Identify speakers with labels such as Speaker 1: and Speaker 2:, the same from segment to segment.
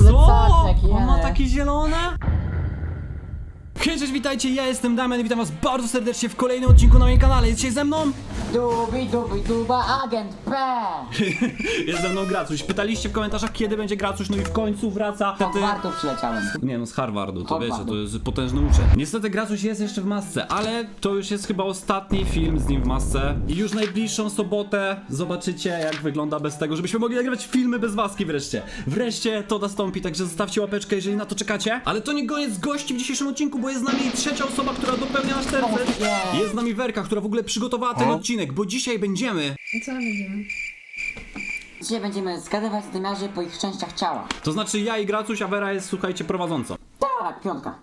Speaker 1: plecaczek,
Speaker 2: On ma
Speaker 1: jene.
Speaker 2: takie zielone? Hej, cześć, witajcie, ja jestem Damian i witam was bardzo serdecznie w kolejnym odcinku na moim kanale. Jest dzisiaj ze mną?
Speaker 1: Duba, agent P!
Speaker 2: Jest ze mną Gracuś. Pytaliście w komentarzach, kiedy będzie Gracuś, no i w końcu wraca.
Speaker 1: Z Hogwartu przyleciałem.
Speaker 2: Nie no, z Harvardu, to
Speaker 1: Harvardu.
Speaker 2: wiecie, to jest potężny uczeń. Niestety Gracuś jest jeszcze w masce, ale to już jest chyba ostatni film z nim w masce. I już najbliższą sobotę zobaczycie, jak wygląda bez tego, żebyśmy mogli nagrywać filmy bez maski wreszcie. Wreszcie to nastąpi, także zostawcie łapeczkę, jeżeli na to czekacie. Ale to nie koniec gości w dzisiejszym odcinku, bo jest z nami trzecia osoba, która dopełnia nasz tercet.
Speaker 1: nie.
Speaker 2: Jest z nami Werka, która w ogóle przygotowała ten odcinek, bo dzisiaj będziemy...
Speaker 3: Co będziemy?
Speaker 1: Dzisiaj będziemy zgadywać zadymiarzy po ich częściach ciała.
Speaker 2: To znaczy ja i Gracuś, a Wera jest, słuchajcie, prowadzącą.
Speaker 1: Tak, piątka.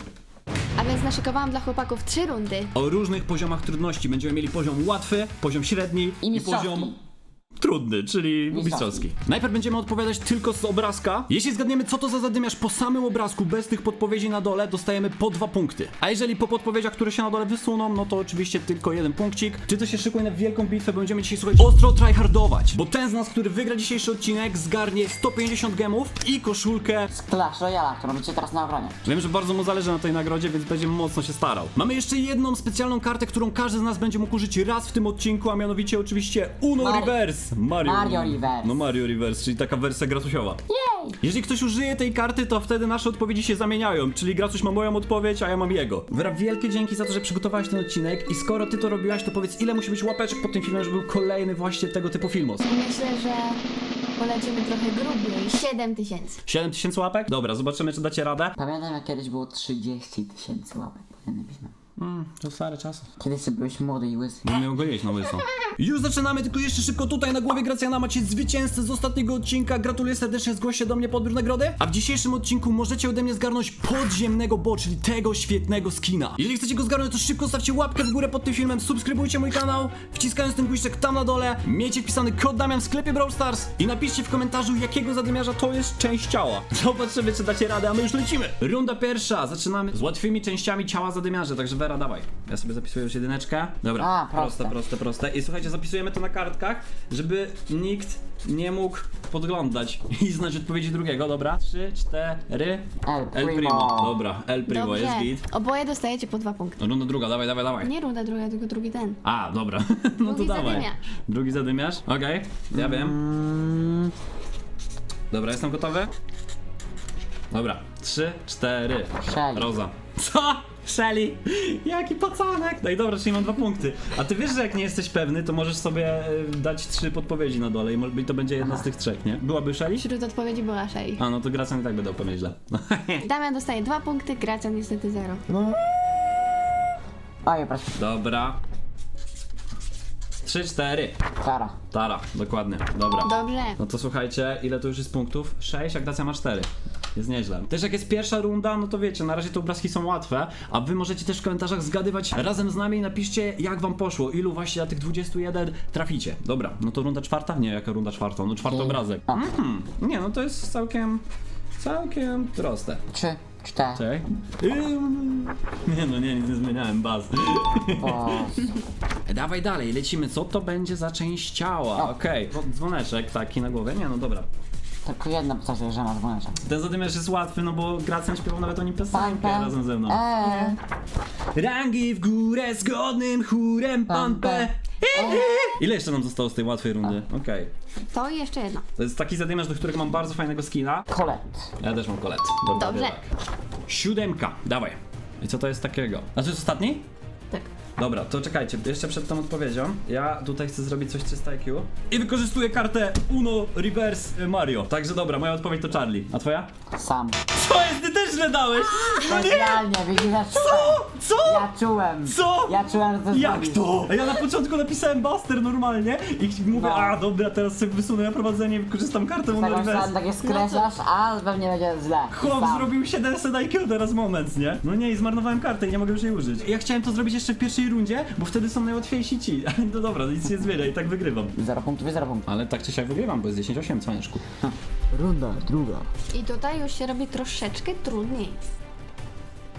Speaker 3: A więc naszykowałam dla chłopaków 3 rundy.
Speaker 2: O różnych poziomach trudności. Będziemy mieli poziom łatwy, poziom średni
Speaker 1: I mistrzowski.
Speaker 2: poziom trudny, czyli mistrzowski. Najpierw będziemy odpowiadać tylko z obrazka. Jeśli zgadniemy, co to za zadymiarz po samym obrazku, bez tych podpowiedzi na dole, dostajemy po 2 punkty. A jeżeli po podpowiedziach, które się na dole wysuną, no to oczywiście tylko 1 punkcik. Czy to się szykuje na wielką bitwę, bo będziemy dzisiaj, słuchać, ostro tryhardować. Bo ten z nas, który wygra dzisiejszy odcinek, zgarnie 150 gemów i koszulkę.
Speaker 1: Z Clash Royale, którą będziecie teraz na obronie.
Speaker 2: Wiem, że bardzo mu zależy na tej nagrodzie, więc będzie mocno się starał. Mamy jeszcze jedną specjalną kartę, którą każdy z nas będzie mógł użyć raz w tym odcinku, a mianowicie oczywiście Uno Reverse.
Speaker 1: Mario Reverse.
Speaker 2: No Mario Reverse, czyli taka wersja Gracusiowa.
Speaker 1: Jej!
Speaker 2: Jeżeli ktoś użyje tej karty, to wtedy nasze odpowiedzi się zamieniają, czyli Gracuś ma moją odpowiedź, a ja mam jego. Wera, wielkie dzięki za to, że przygotowałeś ten odcinek i skoro ty to robiłaś, to powiedz, ile musi być łapeczek pod tym filmem, żeby był kolejny właśnie tego typu filmos.
Speaker 3: Myślę, że polecimy trochę grubiej. 7000.
Speaker 2: 7000 łapek? Dobra, zobaczymy, czy dacie radę.
Speaker 1: Pamiętam, jak kiedyś było 30 000 łapek pod jednym filmem.
Speaker 2: To stare czasy.
Speaker 1: Kiedyś sobie byłeś młody i łysy.
Speaker 2: Nie miał go jeść na łyso. Już zaczynamy, tylko jeszcze szybko tutaj na głowie Gracjana macie zwycięzcę z ostatniego odcinka. Gratuluję serdecznie, zgłoście do mnie po odbiór nagrody. A w dzisiejszym odcinku możecie ode mnie zgarnąć podziemnego Bo, czyli tego świetnego skina. Jeżeli chcecie go zgarnąć, to szybko stawcie łapkę w górę pod tym filmem, subskrybujcie mój kanał, wciskając ten guziczek tam na dole, miejcie wpisany kod Damian w sklepie Brawl Stars i napiszcie w komentarzu, jakiego zadymiarza to jest część ciała. Zobaczymy, czy dacie radę, a my już lecimy. Runda pierwsza, zaczynamy z łatwymi częściami ciała zadymiarzy, także Vera, dawaj. Ja sobie zapisuję już jedyneczkę. Dobra,
Speaker 1: A, proste.
Speaker 2: proste. I słuchajcie, zapisujemy to na kartkach, żeby nikt nie mógł podglądać i znać odpowiedzi drugiego, dobra? 3, 4.
Speaker 1: El Primo.
Speaker 2: Dobra, El Primo,
Speaker 3: Dobrze.
Speaker 2: jest git.
Speaker 3: Oboje dostajecie po 2 punkty.
Speaker 2: Runda druga, dawaj.
Speaker 3: Nie runda druga, tylko drugi ten.
Speaker 2: A, dobra, no to
Speaker 3: Drugi
Speaker 2: dawaj.
Speaker 3: zadymiarz.
Speaker 2: Drugi zadymiarz, okej, ja wiem. Dobra, jestem gotowy? Dobra, 3, 4.
Speaker 1: Shelly.
Speaker 2: Roza. Co? Shelly? Jaki pacanek? No i dobra, czyli mam 2 punkty. A ty wiesz, że jak nie jesteś pewny, to możesz sobie dać 3 podpowiedzi na dole i to będzie jedna z tych 3, nie? Byłaby Shelly?
Speaker 3: Wśród odpowiedzi była Shay.
Speaker 2: A, no to Gracjan i tak będę odpowiedzieć źle.
Speaker 3: Damian dostaje 2 punkty, Gracjan niestety 0.
Speaker 1: Oj, proszę.
Speaker 2: Dobra. 3, 4.
Speaker 1: Kara.
Speaker 2: Tara, dokładnie. Dobra.
Speaker 3: Dobrze.
Speaker 2: No to słuchajcie, ile to już jest punktów? 6, a Gracja ma 4. Jest nieźle. Też jak jest pierwsza runda, no to wiecie, na razie te obrazki są łatwe, a wy możecie też w komentarzach zgadywać razem z nami i napiszcie, jak wam poszło, ilu właśnie na tych 21 traficie. Dobra, no to runda czwarta? Nie, jaka runda czwarta? No czwarty obrazek. Nie, no to jest całkiem proste.
Speaker 1: 3, 4.
Speaker 2: Czekaj. Nie no, nic nie zmieniałem, baz.
Speaker 1: O,
Speaker 2: Dawaj dalej, lecimy. Co to będzie za część ciała? Okej, dzwoneczek taki na głowie. Nie no, dobra.
Speaker 1: tylko jedna postać, że ma dzwoneczek.
Speaker 2: Ten zadymiarz jest łatwy, no bo Gracjan śpiewał nawet o nim piosenkę razem ze mną. Rangi w górę z godnym chórem pan P. Ile jeszcze nam zostało z tej łatwej rundy? Okej.
Speaker 3: To i jeszcze jedno.
Speaker 2: To jest taki zadymiarz, do którego mam bardzo fajnego skina.
Speaker 1: Colette.
Speaker 2: Ja też mam Colette. Dokładnie
Speaker 3: Dobrze.
Speaker 2: tak. 7, dawaj. I co to jest takiego? A to jest ostatni?
Speaker 3: Tak.
Speaker 2: Dobra, to czekajcie, jeszcze przed tą odpowiedzią ja tutaj chcę zrobić coś 300 IQ i wykorzystuję kartę Uno Reverse Mario. Także dobra, moja odpowiedź to Charlie. A twoja?
Speaker 1: Sam.
Speaker 2: Co jest? Ty też źle dałeś! No nie!
Speaker 1: Specjalnie, widzisz, ja czułem.
Speaker 2: Co?
Speaker 1: Ja czułem.
Speaker 2: Co?
Speaker 1: Ja czułem, że to
Speaker 2: Jak
Speaker 1: zrobisz.
Speaker 2: to? A ja na początku napisałem Buster normalnie i mówię,
Speaker 1: No.
Speaker 2: a dobra, teraz sobie wysunę na prowadzenie i wykorzystam kartę Uno
Speaker 1: Taką
Speaker 2: Reverse.
Speaker 1: sam takie skreślasz, a pewnie będzie źle.
Speaker 2: Chłop
Speaker 1: Sam.
Speaker 2: zrobił 700 IQ teraz moment, nie? No nie, i zmarnowałem kartę i nie mogę już jej użyć. Ja chciałem to zrobić jeszcze w pierwszej rundzie, bo wtedy są najłatwiejsi ci. Ale no dobra, nic nie zmienia i tak wygrywam.
Speaker 1: 0 punktów i 0 punktów.
Speaker 2: Ale tak czy siak wygrywam, bo jest 10-8, cwaniaszku.
Speaker 1: Runda druga.
Speaker 3: I tutaj już się robi troszeczkę trudniej.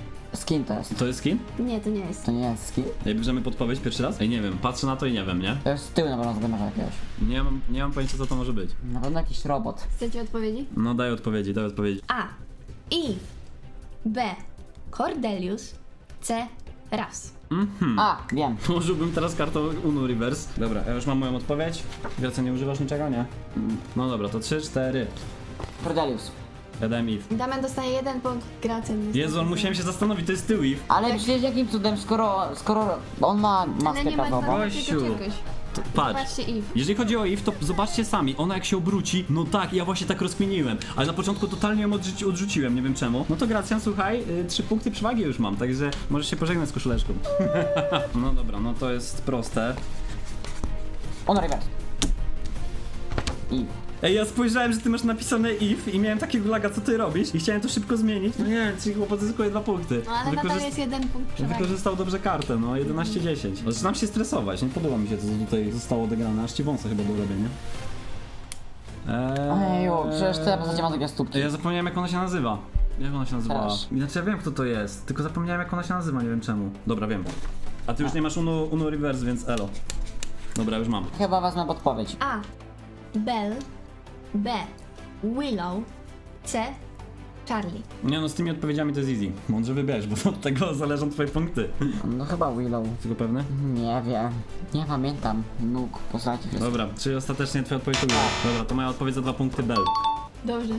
Speaker 1: Skin to jest.
Speaker 2: To jest skin?
Speaker 3: Nie, to nie jest.
Speaker 1: To nie jest skin?
Speaker 2: Ej, bierzemy podpowiedź pierwszy raz? Ej, nie wiem, patrzę na to i nie wiem, nie?
Speaker 1: To jest z tyłu na pewno zadymarza jakiegoś.
Speaker 2: Nie mam pojęcia, co to może być.
Speaker 1: Na pewno jakiś robot.
Speaker 3: Chcecie odpowiedzi?
Speaker 2: No daj odpowiedzi.
Speaker 3: A. Eve. B. Cordelius. C. Ras.
Speaker 1: A, wiem.
Speaker 2: Użyłbym teraz kartą Uno Reverse. Dobra, ja już mam moją odpowiedź. Gracja, nie używasz niczego, nie? No dobra, to 3, 4.
Speaker 1: Cordelius.
Speaker 2: Ja dałem Eve.
Speaker 3: Damian dostaje 1 punkt, Gracja nie
Speaker 2: Jezu, on musiałem się zastanowić, to jest tył Eve.
Speaker 1: Ale przecież jakim cudem, skoro on ma
Speaker 3: Ale
Speaker 1: maskę
Speaker 3: nie ma
Speaker 1: kawową.
Speaker 2: Gościu.
Speaker 3: czegoś.
Speaker 2: Patrz.
Speaker 3: Zobaczcie Eve.
Speaker 2: Jeżeli chodzi o Eve, to zobaczcie sami, ona jak się obróci, no tak, ja właśnie tak rozkminiłem, ale na początku totalnie ją odrzuciłem, nie wiem czemu. No to Gracjan, słuchaj, 3 punkty przewagi już mam, także możesz się pożegnać z koszuleczką. No dobra, no to jest proste.
Speaker 1: On reverse. I.
Speaker 2: Ej, ja spojrzałem, że ty masz napisane Eve i miałem takiego laga, co ty robisz i chciałem to szybko zmienić. No nie, czyli chłopak zyskuje 2 punkty.
Speaker 3: No ale nadal jest 1 punkt przewagi.
Speaker 2: Wykorzystał dobrze kartę, no 11-10. Zaczynam się stresować, nie podoba mi się to, co tutaj zostało odegrane, aż ci wąsa chyba do robienia.
Speaker 1: Ojeju, przecież te postacie ma takie stópki.
Speaker 2: Ja zapomniałem, jak ona się nazywa. Jak ona się nazywała?
Speaker 1: Też.
Speaker 2: Znaczy ja wiem, kto to jest, tylko zapomniałem, jak ona się nazywa, nie wiem czemu. Dobra, wiem. A ty już nie masz Uno Reverse, więc elo. Dobra, już mam.
Speaker 1: Chyba wezmę podpowiedź.
Speaker 3: A. Bell. B. Willow. C. Charlie.
Speaker 2: Nie no, z tymi odpowiedziami to jest easy. Mądrze wybierz, bo od tego zależą twoje punkty.
Speaker 1: No chyba Willow.
Speaker 2: Tylko pewny?
Speaker 1: Nie wiem. Nie pamiętam. Nóg, postaci wszystko.
Speaker 2: Dobra, czyli ostatecznie twoja odpowiedź to była. Dobra, to moja odpowiedź za 2 punkty Bell.
Speaker 3: Dobrze.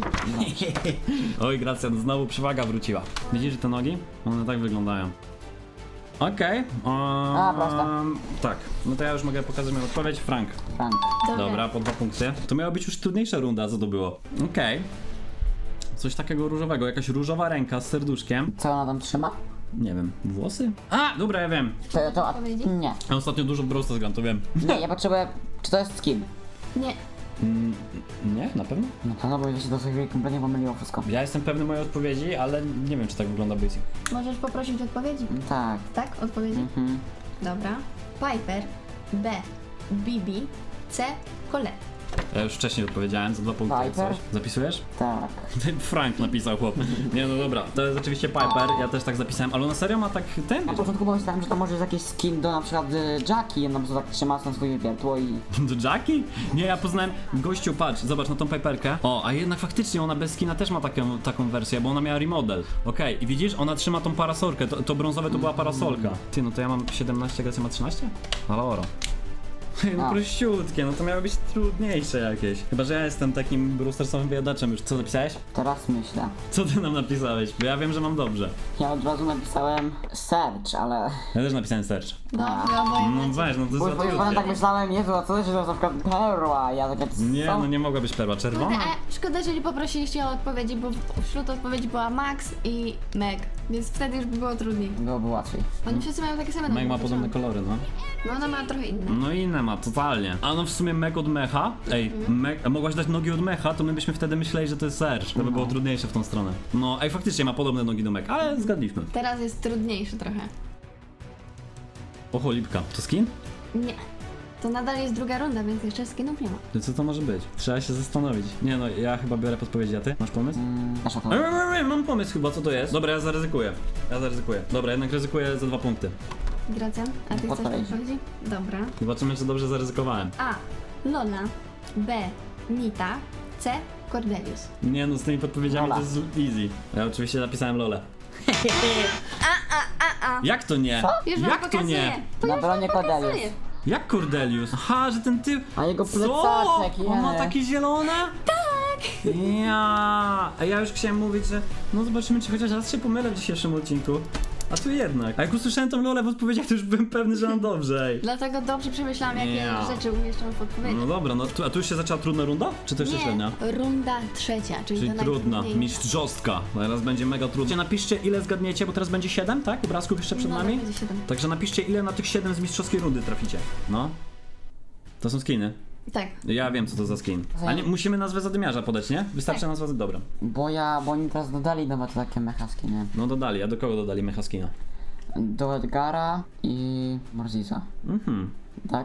Speaker 2: Oj, Gracjan, znowu przewaga wróciła. Widzisz te nogi? One tak wyglądają. Okej.
Speaker 1: proste.
Speaker 2: Tak, no to ja już mogę pokazać moją odpowiedź. Frank.
Speaker 1: Frank.
Speaker 2: Dobra, po 2 punkty. To miała być już trudniejsza runda, co to było? Okej. Coś takiego różowego, jakaś różowa ręka z serduszkiem.
Speaker 1: Co ona tam trzyma?
Speaker 2: Nie wiem, włosy? A, dobra, ja wiem.
Speaker 1: To
Speaker 3: Odpowiedzi?
Speaker 1: nie.
Speaker 2: Ja ostatnio dużo w Brawl Stars gram, to wiem.
Speaker 1: Nie, ja potrzebuję... Czy to jest skin?
Speaker 3: Nie.
Speaker 2: Nie, na pewno?
Speaker 1: No to no, bo się do tej chwili kompletnie pomyliło wszystko.
Speaker 2: Ja jestem pewny mojej odpowiedzi, ale nie wiem, czy tak wygląda Basic.
Speaker 3: Możesz poprosić odpowiedzi?
Speaker 1: Tak.
Speaker 3: Tak? Odpowiedzi?
Speaker 1: Mhm.
Speaker 3: Dobra. Piper. B. Bibi. C. Colette.
Speaker 2: Ja już wcześniej odpowiedziałem za 2 punkty. jak
Speaker 1: Piper?
Speaker 2: coś. Zapisujesz?
Speaker 1: Tak.
Speaker 2: Frank napisał chłop. Nie no dobra, to jest oczywiście Piper, ja też tak zapisałem, ale na serio ma tak ten?
Speaker 1: Na początku pomyślałem, że to może jest jakiś skin do na przykład Jackie, ona po prostu tak trzyma na swoje wiertło i...
Speaker 2: Do Jackie? Nie, ja poznałem, gościu, patrz, zobacz na tą Piperkę. O, a jednak faktycznie ona bez skina też ma taką wersję, bo ona miała remodel. Okej, i widzisz, ona trzyma tą parasolkę, to brązowe to była parasolka. Ty, no to ja mam 17, Gracja ma 13? Halo, no
Speaker 1: A.
Speaker 2: prościutkie, no to miało być trudniejsze jakieś. Chyba, że ja jestem takim brewstersowym wyjadaczem już. Co napisałeś?
Speaker 1: Teraz myślę.
Speaker 2: Co ty nam napisałeś? Bo ja wiem, że mam dobrze.
Speaker 1: Ja od razu napisałem search, ale...
Speaker 2: Ja też napisałem search.
Speaker 3: Dobrze, oboje
Speaker 2: No
Speaker 3: macie.
Speaker 2: weź, no to
Speaker 1: Bo
Speaker 2: jest
Speaker 1: już
Speaker 2: za
Speaker 1: potem tak
Speaker 2: trudne.
Speaker 1: myślałem, Jezu, a co to jest na przykład perła? Ja tak jak...
Speaker 2: Nie,
Speaker 1: co?
Speaker 2: no nie mogła być perła.
Speaker 3: Kurde,
Speaker 2: Czerwona?
Speaker 3: a szkoda, że nie poprosiliście o odpowiedzi, bo wśród odpowiedzi była Max i Meg, więc wtedy już by było trudniej.
Speaker 1: Byłoby łatwiej.
Speaker 3: Oni wszyscy mają takie same
Speaker 2: Meg ma
Speaker 3: numery,
Speaker 2: podobne kolory, no.
Speaker 3: No ona ma trochę inne.
Speaker 2: No i inne ma, totalnie. A no w sumie Meg od mecha. Ej, a mogłaś dać nogi od mecha, to my byśmy wtedy myśleli, że to jest Serge. To by było trudniejsze w tą stronę. No, ej, faktycznie ma podobne nogi do Meg, ale zgadliśmy.
Speaker 3: Teraz jest trudniejszy trochę.
Speaker 2: O, cholipka. To skin?
Speaker 3: Nie. To nadal jest druga runda, więc jeszcze skinów nie ma.
Speaker 2: To co to może być? Trzeba się zastanowić. Nie no, ja chyba biorę podpowiedzi, a ty? Masz pomysł?
Speaker 1: Nasza to...
Speaker 2: Mam pomysł chyba, co to jest. Dobra, ja zaryzykuję. Dobra, jednak ryzykuję za 2 punkty.
Speaker 3: Gracjan, a ty chcesz
Speaker 1: Odpowiedzi.
Speaker 3: odpowiedzi? Dobra.
Speaker 2: Zobaczymy, czy dobrze zaryzykowałem.
Speaker 3: A. Lola. B. Nita. C. Cordelius.
Speaker 2: Nie no, z tymi podpowiedziami
Speaker 1: Lola.
Speaker 2: to jest easy. Ja oczywiście napisałem Lolę. Jak to nie?
Speaker 3: Już wam
Speaker 2: Jak to
Speaker 3: pokazuję.
Speaker 2: nie?
Speaker 3: To
Speaker 1: Na
Speaker 3: już
Speaker 1: bronie
Speaker 3: wam pokazuję.
Speaker 1: Cordelius.
Speaker 2: Jak Cordelius? Aha, że ten typ...
Speaker 1: A jego
Speaker 2: Co?
Speaker 1: plecaczek,
Speaker 2: On ma
Speaker 1: je.
Speaker 2: takie zielone? Tak! Ja. A ja już chciałem mówić, że no zobaczymy, czy chociaż raz się pomylę w dzisiejszym odcinku. A tu jednak. A jak usłyszałem tą Lolę w odpowiedziach, to już byłem pewny, że mam dobrze. Ej.
Speaker 3: Dlatego dobrze przemyślałam, jakie
Speaker 2: Ja.
Speaker 3: rzeczy umieszczam w odpowiedzi.
Speaker 2: No dobra, no a tu już się zaczęła trudna runda? Czy to jeszcze średnia?
Speaker 3: Nie, runda trzecia, czyli
Speaker 2: Czyli
Speaker 3: to
Speaker 2: trudna,
Speaker 3: najtrudniejsza.
Speaker 2: mistrzostka. Teraz będzie mega trudna. Napiszcie, ile zgadniecie, bo teraz będzie 7, tak? Obrazków jeszcze przed
Speaker 3: No,
Speaker 2: nami?
Speaker 3: będzie 7.
Speaker 2: Także napiszcie, ile na tych 7 z mistrzowskiej rundy traficie. No. To są skiny.
Speaker 3: Tak.
Speaker 2: Ja wiem, co to za skin. A nie, musimy nazwę zadymiarza podać, nie? Wystarczy
Speaker 3: Tak.
Speaker 2: nazwa, dobra.
Speaker 1: Bo oni teraz dodali nowe to takie mechaski, nie?
Speaker 2: No dodali, a do kogo dodali mecha skina?
Speaker 1: Do Edgara i Morziza.
Speaker 2: Mhm.
Speaker 1: Tak?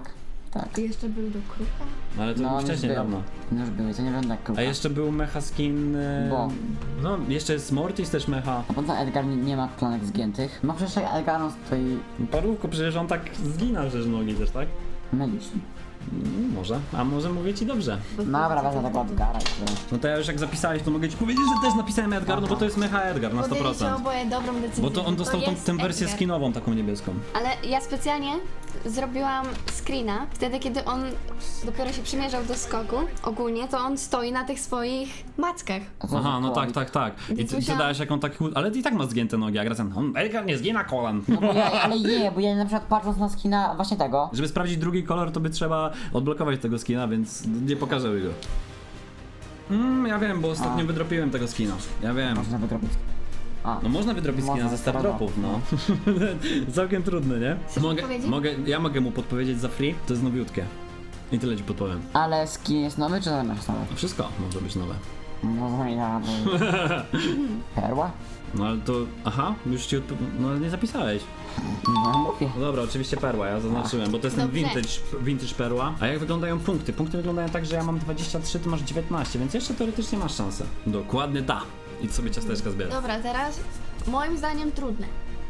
Speaker 1: Tak.
Speaker 3: I jeszcze był do kruka.
Speaker 2: Ale to
Speaker 1: No,
Speaker 2: wcześniej,
Speaker 1: już był.
Speaker 2: dawno.
Speaker 1: No już były, to nie będę jak
Speaker 2: A jeszcze był mecha skin...
Speaker 1: Bo.
Speaker 2: No, jeszcze jest Mortis też mecha.
Speaker 1: A potem Edgar nie ma klanek zgiętych. No przecież jak Edgar on stoi...
Speaker 2: Parówko, przecież on tak zgina przecież nogi też, tak?
Speaker 1: Mylisz.
Speaker 2: Może. A może mówię ci dobrze.
Speaker 1: Dobra, wezmę tego Edgara i tyle.
Speaker 2: No to ja już jak zapisałeś, to mogę ci powiedzieć, że też napisałem Edgar, no bo to jest mecha Edgar na
Speaker 3: Podjęliście
Speaker 2: 100%.
Speaker 3: oboje dobrą decyzję.
Speaker 2: Bo to on dostał
Speaker 3: jest
Speaker 2: tę wersję
Speaker 3: Edgar.
Speaker 2: skinową, taką niebieską.
Speaker 3: Ale ja specjalnie zrobiłam screena, wtedy kiedy on dopiero się przymierzał do skoku, ogólnie to on stoi na tych swoich mackach.
Speaker 1: A co
Speaker 2: Aha,
Speaker 1: za
Speaker 2: no
Speaker 1: kołowik?
Speaker 2: tak. I
Speaker 3: Więc
Speaker 2: ty
Speaker 3: musiałam-
Speaker 2: dałeś jaką tak... Ale i tak ma zgięte nogi, a Gracjan, Edgar nie zgina kolan.
Speaker 1: No bo ja, ale bo ja na przykład patrząc na skina właśnie tego,
Speaker 2: Żeby sprawdzić drugi kolor, to by trzeba odblokować tego skina, więc nie pokażę go. Ja wiem, bo ostatnio wydropiłem tego skina. Ja wiem.
Speaker 1: można wydrobić. A,
Speaker 2: No można wydropić skina
Speaker 1: Można,
Speaker 2: ze star
Speaker 1: prawda.
Speaker 2: dropów, no. Całkiem trudne, nie?
Speaker 3: Chcesz podpowiedzi?
Speaker 2: Ja mogę mu podpowiedzieć za free, to jest nowiutkie. I tyle ci podpowiem.
Speaker 1: ale skin jest nowy czy zamiast nowy?
Speaker 2: Wszystko może być nowe.
Speaker 1: No zmienia, bo... Perła?
Speaker 2: No ale to... Aha, już ci no nie zapisałeś.
Speaker 1: No mówię.
Speaker 2: No dobra, oczywiście perła, ja zaznaczyłem, bo to jest ten
Speaker 3: Dobrze.
Speaker 2: vintage perła. A jak wyglądają punkty? Punkty wyglądają tak, że ja mam 23, ty masz 19, więc jeszcze teoretycznie masz szansę. Dokładnie ta. Idź sobie ciasteczka zbierać.
Speaker 3: Dobra, teraz moim zdaniem trudne.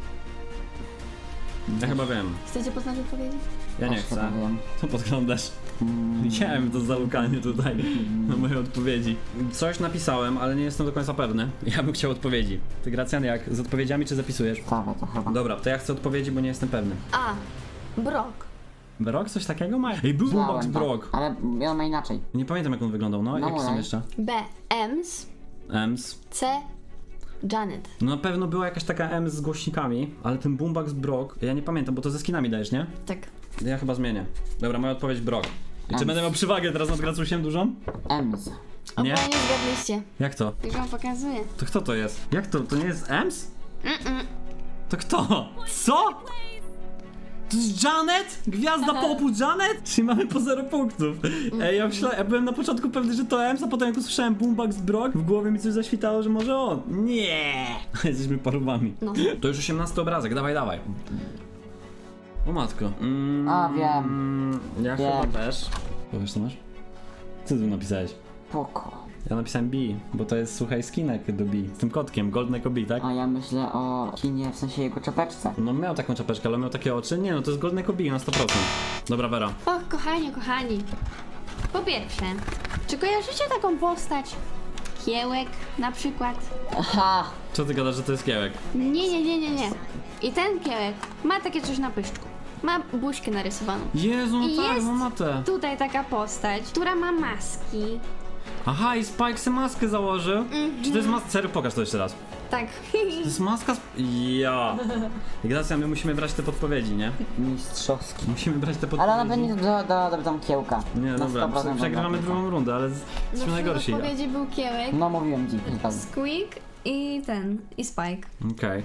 Speaker 2: Ja chyba wiem.
Speaker 3: Chcecie poznać odpowiedzi?
Speaker 2: Ja nie
Speaker 1: Też
Speaker 2: chcę.
Speaker 1: chyba wiem.
Speaker 2: Co podglądasz? Widziałem to zalukanie tutaj na moje odpowiedzi. Coś napisałem, ale nie jestem do końca pewny. Ja bym chciał odpowiedzi. Ty, Gracjan, jak? Z odpowiedziami czy zapisujesz?
Speaker 1: Stawę to chyba.
Speaker 2: Dobra, to ja chcę odpowiedzi, bo nie jestem pewny.
Speaker 3: A. Brock.
Speaker 2: Brock coś takiego ma? Ej, był Boombox
Speaker 1: Znałem to,
Speaker 2: Brock.
Speaker 1: ale on ma inaczej.
Speaker 2: Nie pamiętam jak on wyglądał, no.
Speaker 1: No
Speaker 2: Jakie są
Speaker 1: daj.
Speaker 2: jeszcze?
Speaker 3: B. Ems.
Speaker 2: Ems.
Speaker 3: C. Janet.
Speaker 2: No na pewno była jakaś taka M z głośnikami, ale ten Boombox Brock, ja nie pamiętam, bo to ze skinami dajesz, nie?
Speaker 3: Tak.
Speaker 2: Ja chyba zmienię. Dobra, moja odpowiedź Brock. I czy
Speaker 1: Ems.
Speaker 2: będę miał przewagę teraz nad Gracusiem dużą?
Speaker 1: Ems.
Speaker 2: Nie?
Speaker 3: Oboje nie zgadliście.
Speaker 2: Jak to?
Speaker 3: Już wam pokazuję.
Speaker 2: To kto to jest? Jak to? To nie jest Ems? To kto? Co? To jest Janet? Gwiazda popu Janet? Czyli mamy po 0 punktów. Ej, ja byłem na początku pewny, że to Ems, a potem jak usłyszałem Boombox Brock, w głowie mi coś zaświtało, że może on. Nie! Jesteśmy parubami.
Speaker 3: No.
Speaker 2: To już 18 obrazek, dawaj. O matko.
Speaker 1: A, wiem.
Speaker 2: Ja
Speaker 1: Wiem.
Speaker 2: chyba też. Powiesz co masz? Co ty tu napisałeś?
Speaker 1: Poko.
Speaker 2: Ja napisałem B, bo to jest, słuchaj, skinek do B. Z tym kotkiem, Gold Echo B, tak?
Speaker 1: A ja myślę o kinie, w sensie jego czapeczce.
Speaker 2: No miał taką czapeczkę, ale miał takie oczy. Nie no, to jest Gold Echo B na 100%. Dobra, Vera.
Speaker 3: Och, kochani. Po pierwsze, czy kojarzycie taką postać? Kiełek na przykład?
Speaker 1: Aha!
Speaker 2: Co ty gadasz, że to jest kiełek?
Speaker 3: Nie. I ten kiełek ma takie coś na pyszczku. Ma buźkę narysowaną.
Speaker 2: Jezu, no
Speaker 3: I
Speaker 2: tak,
Speaker 3: jest
Speaker 2: no ma te.
Speaker 3: tutaj taka postać, która ma maski.
Speaker 2: Aha, i Spike se maskę założył. Czy to jest maska? Serio, pokaż to jeszcze raz.
Speaker 3: Tak.
Speaker 2: To jest maska Ja. Ignacja, my musimy brać te podpowiedzi, nie?
Speaker 1: Mistrzowski.
Speaker 2: Musimy brać te
Speaker 1: Ale ona
Speaker 2: podpowiedzi.
Speaker 1: będzie do tam kiełka.
Speaker 2: Nie,
Speaker 1: Na
Speaker 2: dobra,
Speaker 1: 100%
Speaker 2: przegrywamy
Speaker 1: będzie.
Speaker 2: drugą rundę, ale jesteśmy
Speaker 3: No, w
Speaker 2: najgorsi.
Speaker 3: odpowiedzi był kiełek,
Speaker 1: No mówiłem ci, zgadzam.
Speaker 3: Squeak i Spike.
Speaker 2: Okej.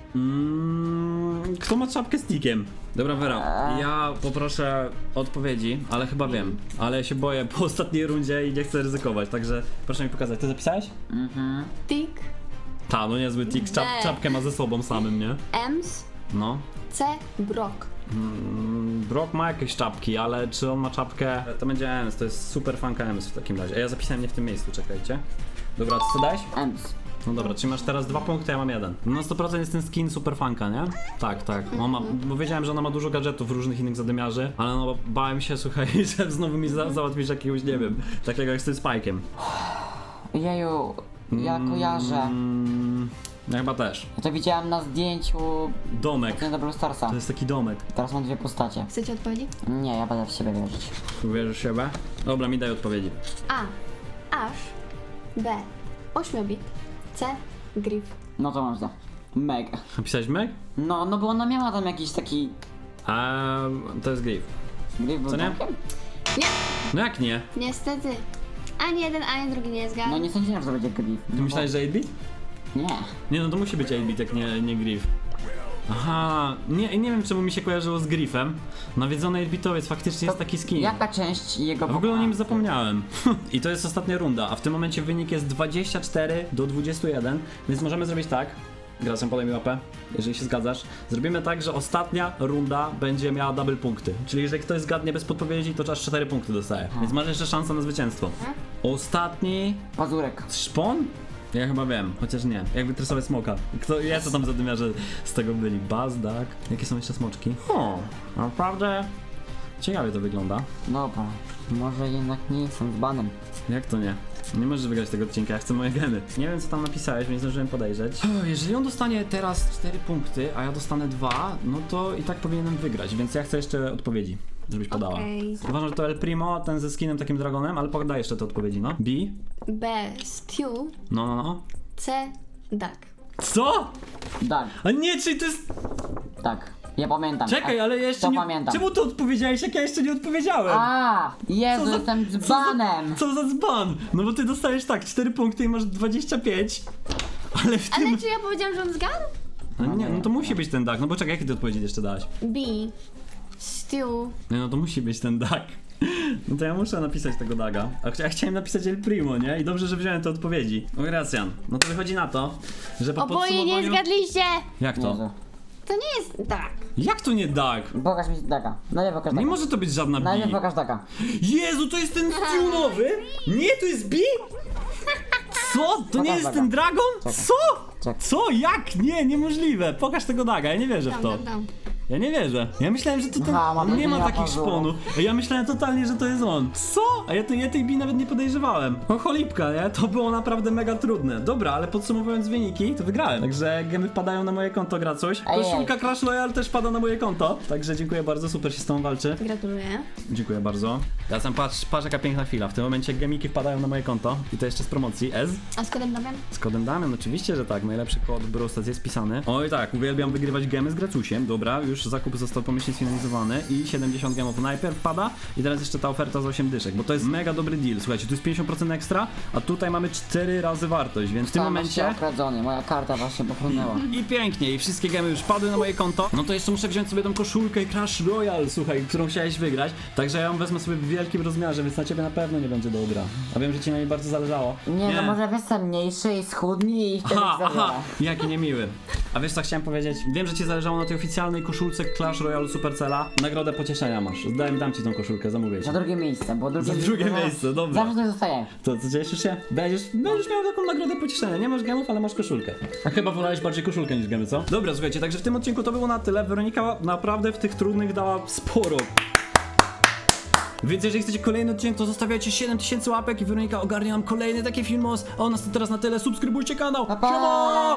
Speaker 2: Kto ma czapkę z tikiem? Dobra, Vera, ja poproszę odpowiedzi, ale chyba wiem. Ale się boję po ostatniej rundzie i nie chcę ryzykować, także proszę mi pokazać. Ty zapisałeś?
Speaker 3: Tick,
Speaker 2: Ta, no niezły tik, czapkę ma ze sobą samym, nie?
Speaker 3: Ems,
Speaker 2: No.
Speaker 3: C. Brock.
Speaker 2: Brock ma jakieś czapki, ale czy on ma czapkę? To będzie Ems, to jest super fanka Ems w takim razie. A ja zapisałem nie w tym miejscu, czekajcie. Dobra, co dałeś?
Speaker 1: Ems.
Speaker 2: No dobra, czyli masz teraz 2 punkty, ja mam 1. Na 100% jest ten skin super fanka, nie? Tak. On ma, bo wiedziałem, że ona ma dużo gadżetów różnych innych zadymiarzy, ale no bałem się, słuchaj, że znowu mi załatwisz jakiegoś, nie wiem, takiego jak z tym Spike'em.
Speaker 1: Jeju, ja kojarzę.
Speaker 2: Ja chyba też.
Speaker 1: Ja to widziałem na zdjęciu
Speaker 2: Domek.
Speaker 1: na Brawl Starsa.
Speaker 2: To jest taki domek.
Speaker 1: Teraz mam dwie postacie.
Speaker 3: Chcecie odpowiedzi?
Speaker 1: Nie, ja będę w siebie wierzyć.
Speaker 2: Uwierzysz w siebie? Dobra, mi daj odpowiedzi.
Speaker 3: A. Ash. B. 8-bit. C. Griff.
Speaker 1: No to można. Meg.
Speaker 2: Napisałeś Meg?
Speaker 1: No bo ona miała tam jakiś taki...
Speaker 2: To jest Griff.
Speaker 1: Gry był
Speaker 2: Co nie?
Speaker 1: domkiem?
Speaker 3: Nie,
Speaker 2: No jak nie?
Speaker 3: niestety. Ani jeden, ani drugi nie zgadł.
Speaker 1: No nie sądziłem, że to będzie Griff.
Speaker 2: Ty myślałeś, że 8-bit?
Speaker 1: Nie.
Speaker 2: Nie no, to musi być 8-bit, jak nie Griff. Aha, nie wiem czemu mi się kojarzyło z Griffem. Nawiedzony 8-bitowiec, faktycznie jest taki skin.
Speaker 1: Jaka część jego...
Speaker 2: A w ogóle o nim zapomniałem. I to jest ostatnia runda, a w tym momencie wynik jest 24 do 21, więc możemy zrobić tak, Gracjan, podaj mi łapę, jeżeli się zgadzasz. Zrobimy tak, że ostatnia runda będzie miała double punkty. Czyli jeżeli ktoś zgadnie bez podpowiedzi, to aż 4 punkty dostaje. Więc masz jeszcze szansę na zwycięstwo. Ostatni...
Speaker 1: Pazurek.
Speaker 2: Szpon? Ja chyba wiem, chociaż nie. Jakby tresować smoka. Co tam zadymiarze z tego byli? Bazdak? Jakie są jeszcze smoczki? O, naprawdę ciekawie to wygląda.
Speaker 1: Dobra, może jednak nie jestem z banem.
Speaker 2: Jak to nie? Nie możesz wygrać tego odcinka, ja chcę moje geny. Nie wiem co tam napisałeś, więc nie zdążyłem podejrzeć. Jeżeli on dostanie teraz 4 punkty, a ja dostanę 2, no to i tak powinienem wygrać, więc ja chcę jeszcze odpowiedzi, żebyś podała.
Speaker 3: Okej.
Speaker 2: Uważam, że to El Primo, ten ze skinem takim dragonem, ale podaj jeszcze te odpowiedzi, no. B?
Speaker 3: B. Stew.
Speaker 2: No.
Speaker 3: C. Duck.
Speaker 2: Co?
Speaker 1: Tak,
Speaker 2: A nie, czyli to jest...
Speaker 1: tak. Ja pamiętam.
Speaker 2: Czekaj, ale ja jeszcze
Speaker 1: to
Speaker 2: nie...
Speaker 1: pamiętam.
Speaker 2: Czemu to odpowiedziałeś, jak ja jeszcze nie odpowiedziałem?
Speaker 1: A, Jezu,
Speaker 2: Co za-
Speaker 1: jestem z banem.
Speaker 2: Co za dzban? No bo ty dostajesz tak, 4 punkty i masz 25. Ale w tym...
Speaker 3: Ale czy ja powiedziałam, że on zgadł?
Speaker 2: No nie, no to musi być ten duck, no bo czekaj, jakie ty odpowiedzi jeszcze dałaś?
Speaker 3: B. Stew.
Speaker 2: Nie, no to musi być ten duck. No to ja muszę napisać tego daga. A ja chciałem napisać El Primo, nie? I dobrze, że wziąłem te odpowiedzi. No Gracjan, no to wychodzi na to, że po
Speaker 3: Oboje nie
Speaker 2: podsumowaniu...
Speaker 3: zgadliście!
Speaker 2: Jak to?
Speaker 1: Jezu.
Speaker 3: To nie jest duck.
Speaker 2: Jak to nie duck?
Speaker 1: Pokaż mi taka. Najpierw pokaż taka.
Speaker 2: Nie może to być żadna
Speaker 1: Najpierw
Speaker 2: B.
Speaker 1: pokaż taka.
Speaker 2: Jezu, to jest ten Stew-nowy? Nie, to jest B? Co? To nie jest
Speaker 1: Pokaż
Speaker 2: ten
Speaker 1: daga.
Speaker 2: dragon?
Speaker 1: Czekaj.
Speaker 2: Co?
Speaker 1: Czekaj.
Speaker 2: Co? Jak? Nie, niemożliwe. Pokaż tego daga, ja nie wierzę w to.
Speaker 3: Dam.
Speaker 2: Ja nie wierzę. Ja myślałem, że to ten...
Speaker 1: Aha, mam
Speaker 2: nie ma
Speaker 1: nadzieję,
Speaker 2: takich
Speaker 1: Paweł.
Speaker 2: szponów. Ja myślałem totalnie, że to jest on. Co? A ja tej bi nawet nie podejrzewałem. No cholipka, nie? To było naprawdę mega trudne. Dobra, ale podsumowując wyniki, to wygrałem. Także gemy wpadają na moje konto, Gracuś.
Speaker 1: Ej,
Speaker 2: Koszulka Clash Royale też wpada na moje konto. Także dziękuję bardzo, super się z tobą walczy.
Speaker 3: Gratuluję.
Speaker 2: Dziękuję bardzo. Ja sam patrz jaka piękna chwila. W tym momencie gemiki wpadają na moje konto. I to jeszcze z promocji.
Speaker 3: A z kodem Damian?
Speaker 2: Z kodem Damian, oczywiście, że tak. Najlepszy kod Brostas jest pisany. Oj tak, uwielbiam wygrywać gemy z Gracusiem. Dobra, już zakup został pomyślnie sfinalizowany i 70 gemów najpierw pada i teraz jeszcze ta oferta za 8 dyszek, bo to jest mega dobry deal. Słuchajcie, tu jest 50% ekstra, a tutaj mamy 4 razy wartość, więc w tym
Speaker 1: Tam
Speaker 2: momencie...
Speaker 1: się okradzony, moja karta właśnie popłynęła.
Speaker 2: I pięknie, i wszystkie gemy już padły na moje konto. No to jeszcze muszę wziąć sobie tą koszulkę Clash Royale, słuchaj, którą chciałeś wygrać. Także ja ją wezmę sobie w wielkim rozmiarze, więc na ciebie na pewno nie będzie dobra. A wiem, że ci na niej bardzo zależało.
Speaker 1: Nie, no może jestem mniejszy i schudni i wtedy
Speaker 2: Aha, jaki niemiły. A wiesz co chciałem powiedzieć? Wiem, że ci zależało na tej oficjalnej koszulce Clash Royale Supercella. Nagrodę pocieszenia masz. dam ci tą koszulkę, zamówię ci.
Speaker 1: Za drugie miejsce, bo drugie
Speaker 2: Za drugie miejsce, dobra.
Speaker 1: Zawsze to zostaje.
Speaker 2: To co, cieszysz się? Będziesz miał taką nagrodę pocieszenia. Nie masz gemów, ale masz koszulkę. A chyba wolałeś bardziej koszulkę niż gemy, co? Dobra, słuchajcie, także w tym odcinku to było na tyle. Weronika naprawdę w tych trudnych dała sporo. Więc jeżeli chcecie kolejny odcinek, to zostawiajcie 7000 łapek i Weronika ogarnie nam kolejny taki filmos. A u nas to teraz na tyle. Subskrybujcie kanał.
Speaker 1: Pa, pa!
Speaker 2: Siema!